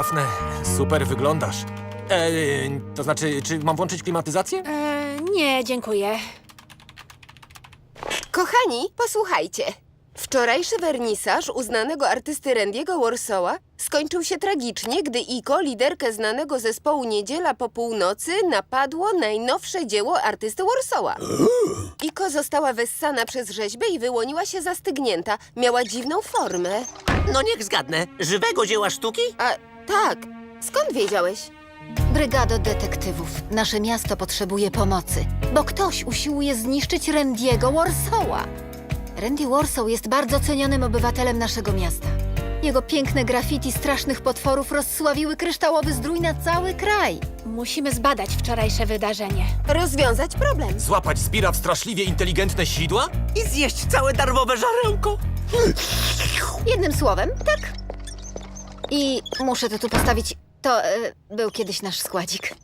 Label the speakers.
Speaker 1: Dafne, super wyglądasz. To znaczy, czy mam włączyć klimatyzację?
Speaker 2: Nie, dziękuję.
Speaker 3: Kochani, posłuchajcie. Wczorajszy wernisaż uznanego artysty Randy'ego Warszawa skończył się tragicznie, gdy Iko, liderkę znanego zespołu Niedziela po północy, napadło najnowsze dzieło artysty Warszawa. Iko została wessana przez rzeźbę i wyłoniła się zastygnięta. Miała dziwną formę.
Speaker 4: No niech zgadnę. Żywego dzieła sztuki?
Speaker 3: A tak, skąd wiedziałeś?
Speaker 5: Brygado detektywów, nasze miasto potrzebuje pomocy, bo ktoś usiłuje zniszczyć Randy'ego Warszawa. Randy Warsaw jest bardzo cenionym obywatelem naszego miasta. Jego piękne graffiti strasznych potworów rozsławiły kryształowy zdrój na cały kraj.
Speaker 2: Musimy zbadać wczorajsze wydarzenie.
Speaker 3: Rozwiązać problem.
Speaker 1: Złapać Zbira w straszliwie inteligentne sidła?
Speaker 4: I zjeść całe darmowe żarełko?
Speaker 5: Jednym słowem, tak. I muszę to tu postawić. To był kiedyś nasz składzik.